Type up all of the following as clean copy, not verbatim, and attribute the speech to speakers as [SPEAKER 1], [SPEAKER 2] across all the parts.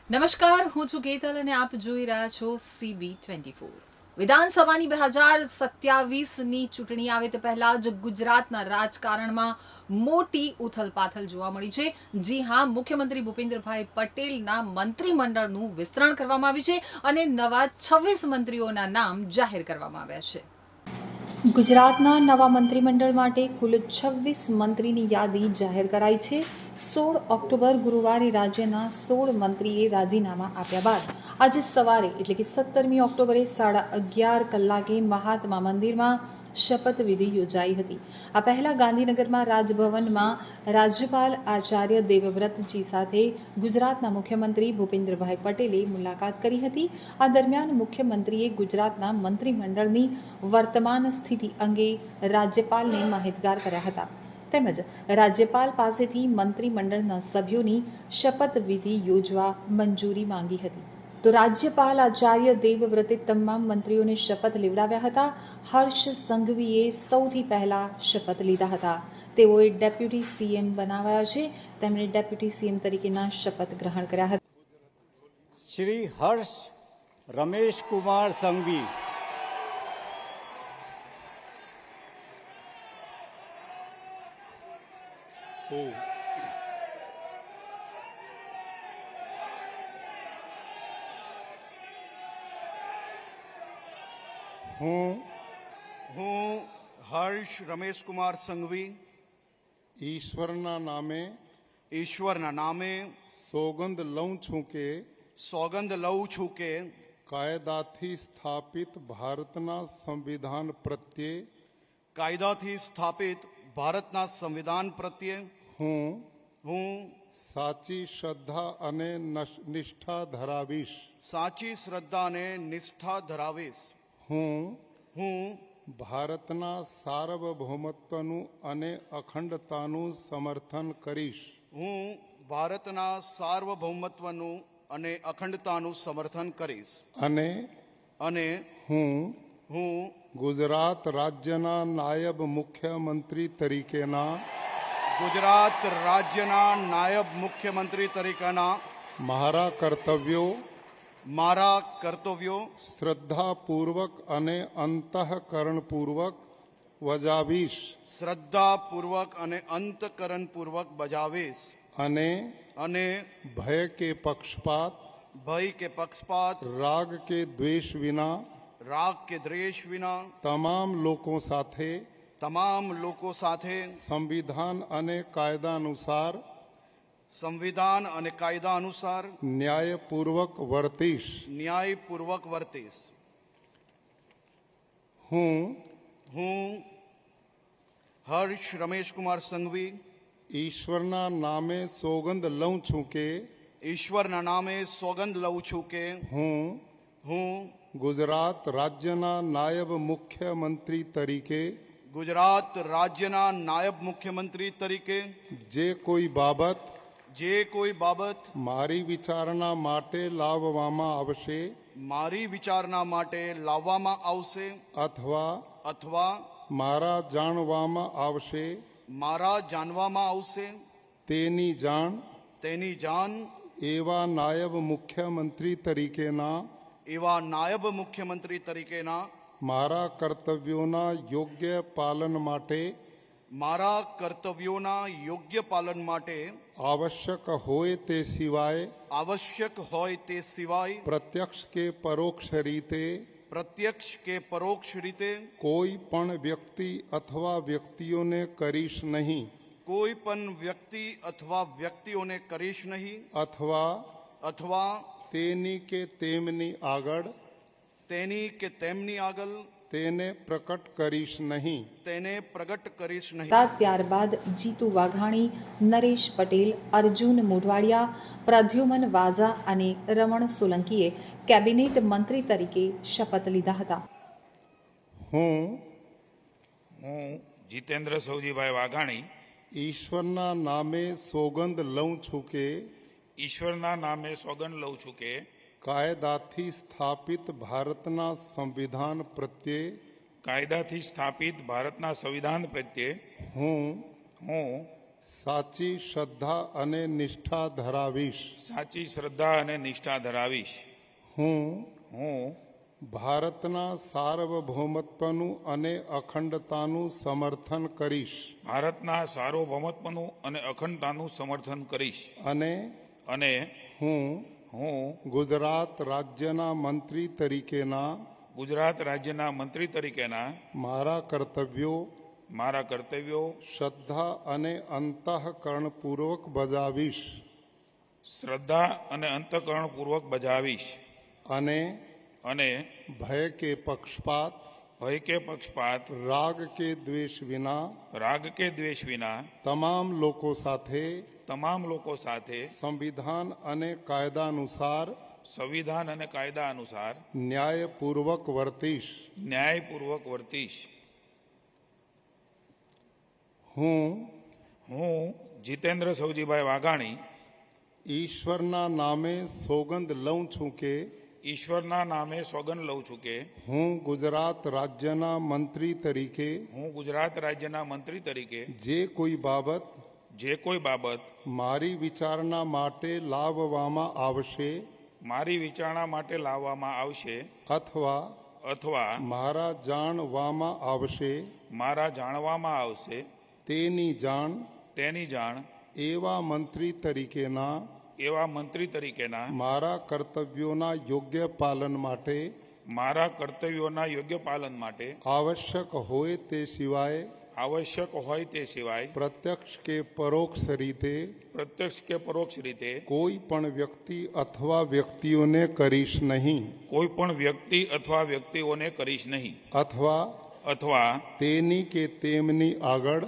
[SPEAKER 1] નમસ્કાર, હું છું કેતલ અને આપ જોઈ રહ્યા છો CB24. વિધાનસભાની 2027ની ચૂંટણી આવે તે પહેલા જ ગુજરાતના રાજકારણમાં મોટી ઉથલપાથલ જોવા મળી છે. જી હા, મુખ્યમંત્રી ભૂપેન્દ્રભાઈ પટેલના મંત્રીમંડળનું વિસ્તરણ કરવામાં આવ્યું છે અને નવા 26 મંત્રીઓના નામ જાહેર કરવામાં આવ્યા છે. ગુજરાતના નવા મંત્રીમંડળ માટે કુલ 26 મંત્રીની યાદી જાહેર કરાઈ છે. 16 ઓક્ટોબર ગુરુવારે રાજ્યના 16 મંત્રીએ રાજીનામા આપ્યા બાદ આજે સવારે એટલે કે 17મી ઓક્ટોબરે 11:30 કલાકે મહાત્મા મંદિરમાં શપથવિધિ યોજાઈ હતી. આ પહેલા ગાંધીનગરમાં રાજભવનમાં રાજ્યપાલ આચાર્ય દેવવ્રતજી સાથે ગુજરાતના મુખ્યમંત્રી ભૂપેન્દ્રભાઈ પટેલે મુલાકાત કરી હતી. આ દરમિયાન મુખ્યમંત્રીએ ગુજરાતના મંત્રીમંડળની વર્તમાન સ્થિતિ અંગે રાજ્યપાલને માહિતગાર કર્યા હતા તેમજ રાજ્યપાલ પાસેથી મંત્રીમંડળના સભ્યોની શપથવિધિ યોજવા મંજૂરી માંગી હતી. તો રાજ્યપાલ આચાર્ય દેવવ્રતે તમામ મંત્રીઓને શપથ લેવડાવ્યા હતા. હર્ષ સંઘવીએ સૌથી પહેલા શપથ લીધા હતા. તેઓએ ડેપ્યુટી સીએમ બનાવાયા છે. તેમણે ડેપ્યુટી સીએમ તરીકેના શપથ ગ્રહણ કર્યા હતા.
[SPEAKER 2] શ્રી હર્ષ રમેશ કુમાર સંઘવી.
[SPEAKER 3] હું હર્ષ રમેશ કુમાર સંઘવી
[SPEAKER 4] ઈશ્વરના
[SPEAKER 3] નામે
[SPEAKER 4] સોગંદ લઉં છું કે કાયદાથી સ્થાપિત ભારતના સંવિધાન પ્રત્યે હું સાચી શ્રદ્ધા અને નિષ્ઠા ધરાવીશ. હું ભારતના સાર્વભૌમત્વનું અને અખંડતાનું સમર્થન કરીશ. અને હું ગુજરાત રાજ્યના નાયબ મુખ્યમંત્રી તરીકેના મારા કર્તવ્યો શ્રદ્ધાપૂર્વક અને અંતઃકરણપૂર્વક બજાવીશ. અને ભય કે પક્ષપાત રાગ કે દ્વેષ વિના તમામ લોકો સાથે સંવિધાન અને કાયદા અનુસાર ન્યાયપૂર્વક વર્તીશ. હું
[SPEAKER 3] હર્ષ રમેશ કુમાર સંઘવી
[SPEAKER 4] ઈશ્વરના નામે સોગંદ લઉં છું કે હું ગુજરાત રાજ્યના નાયબ મુખ્યમંત્રી તરીકે જે કોઈ બાબત મારી વિચારણા માટે લાવવામાં આવશે અથવા મારા જાણવામાં આવશે તેની જાણ એવા નાયબ મુખ્યમંત્રી તરીકેના મારા કર્તવ્યોના યોગ્ય પાલન માટે આવશ્યક હોય તે સિવાય પ્રત્યક્ષ કે પરોક્ષ રીતે કોઈ પણ વ્યક્તિ અથવા વ્યક્તિઓને કરીશ નહીં અથવા તેની કે તેમની આગળ તેને પ્રકટ કરીશ નહીં. ત્યારબાદ જીતુ વાઘાણી, નરેશ પટેલ, અર્જુન મોઢવાડિયા, પ્રદ્યુમન વાઝા અને રમણ સોલંકીએ કેબિનેટ મંત્રી તરીકે શપથ લીધા હતા.
[SPEAKER 5] હું જીતેન્દ્ર સૌજીભાઈ વાઘાણી
[SPEAKER 4] ઈશ્વરના નામે સોગંદ લઉં છું કે કાયદાથી સ્થાપિત ભારતના સંવિધાન પ્રત્યે
[SPEAKER 5] હું
[SPEAKER 6] સાચી શ્રદ્ધા અને નિષ્ઠા ધરાવીશ.
[SPEAKER 5] સાચી શ્રદ્ધા અને નિષ્ઠા ધરાવીશ.
[SPEAKER 6] હું
[SPEAKER 5] હું
[SPEAKER 6] ભારતના સાર્વભૌમત્વનું અને અખંડતાનું સમર્થન કરીશ
[SPEAKER 5] ભારતના સાર્વભૌમત્વનું અને અખંડતાનું સમર્થન કરીશ.
[SPEAKER 6] અને
[SPEAKER 5] હું
[SPEAKER 6] ગુજરાત રાજ્યના મંત્રી તરીકેના
[SPEAKER 5] ગુજરાત રાજ્યના મંત્રી તરીકેના
[SPEAKER 6] મારા કર્તવ્યો શ્રદ્ધા અને અંતઃકરણપૂર્વક બજાવીશ
[SPEAKER 5] શ્રદ્ધા અને અંતઃકરણપૂર્વક બજાવીશ. અને
[SPEAKER 6] ભય કે પક્ષપાત રાગ કે દ્વેષ વિના તમામ લોકો સાથે સંવિધાન અને કાયદા અનુસાર ન્યાયપૂર્વક વર્તીશ. હું
[SPEAKER 5] જીતેન્દ્ર સૌજીભાઈ વાઘાણી
[SPEAKER 6] ઈશ્વરના નામે સોગંદ લઉં છું કે હું ગુજરાત રાજ્યના મંત્રી તરીકે જે કોઈ બાબત મારી વિચારણા માટે લાવવામાં આવશે અથવા મારા જાણવામાં આવશે તેની જાણ એવા મંત્રી તરીકેના મારા કર્તવ્યોના યોગ્ય પાલન માટે આવશ્યક હોય તે સિવાય પ્રત્યક્ષ કે પરોક્ષ રીતે કોઈ પણ વ્યક્તિ અથવા વ્યક્તિઓને કરીશ નહીં અથવા તેની કે તેમની આગળ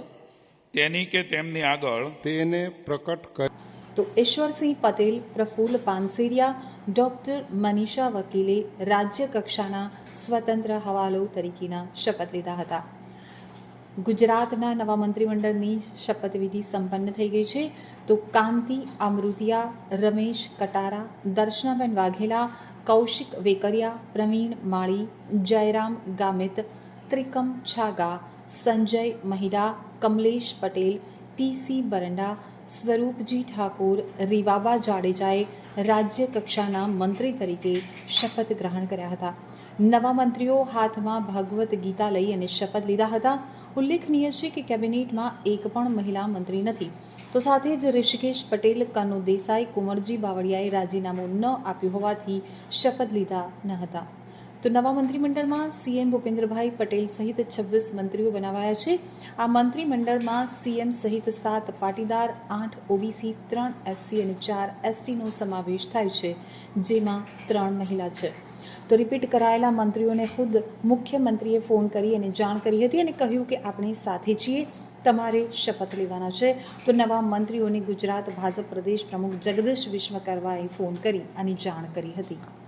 [SPEAKER 6] તેને પ્રકટ કરી.
[SPEAKER 4] તો ઈશ્વરસિંહ પટેલ, પ્રફુલ્લ પાનસેરિયા, ડૉક્ટર મનીષા વકીલે રાજ્ય કક્ષાના સ્વતંત્ર હવાલો તરીકેના શપથ લીધા હતા. ગુજરાતના નવા મંત્રીમંડળની શપથવિધિ સંપન્ન થઈ ગઈ છે. તો કાંતિ અમૃતિયા, રમેશ કટારા, દર્શનાબેન વાઘેલા, કૌશિક વેકરિયા, પ્રવીણ માળી, જયરામ ગામિત, ત્રિકમ છાગા, સંજય મહિડા, કમલેશ પટેલ, પીસી બરંડા, સ્વરૂપજી ઠાકોર, રીવાબા જાડેજાએ રાજ્ય કક્ષાના મંત્રી તરીકે શપથ ગ્રહણ કર્યા હતા. નવા મંત્રીઓ હાથમાં ભગવદ્ ગીતા લઈ અને શપથ લીધા હતા. ઉલ્લેખનીય છે કે કેબિનેટમાં એક પણ મહિલા મંત્રી નથી. તો સાથે જ ઋષિકેશ પટેલ, કનુ દેસાઈ, કુંવરજી બાવળિયાએ રાજીનામું ન આપ્યું હોવાથી શપથ લીધા ન હતા. તો નવા મંત્રીમંડળમાં સીએમ ભૂપેન્દ્રભાઈ પટેલ સહિત 26 મંત્રીઓ બનાવાયા છે. આ મંત્રીમંડળમાં સીએમ સહિત 7 પાટીદાર, 8 ઓબીસી, 3 એસસી અને 4 એસટીનો સમાવેશ થાય છે, જેમાં 3 મહિલા છે. તો રિપીટ કરાયેલા મંત્રીઓને ખુદ મુખ્યમંત્રીએ ફોન કરી અને જાણ કરી હતી અને કહ્યું કે આપણે સાથે છીએ, તમારે શપથ લેવાના છે. તો નવા મંત્રીઓને ગુજરાત ભાજપ પ્રદેશ પ્રમુખ જગદીશ વિશ્વકર્માએ ફોન કરી અને જાણ કરી હતી.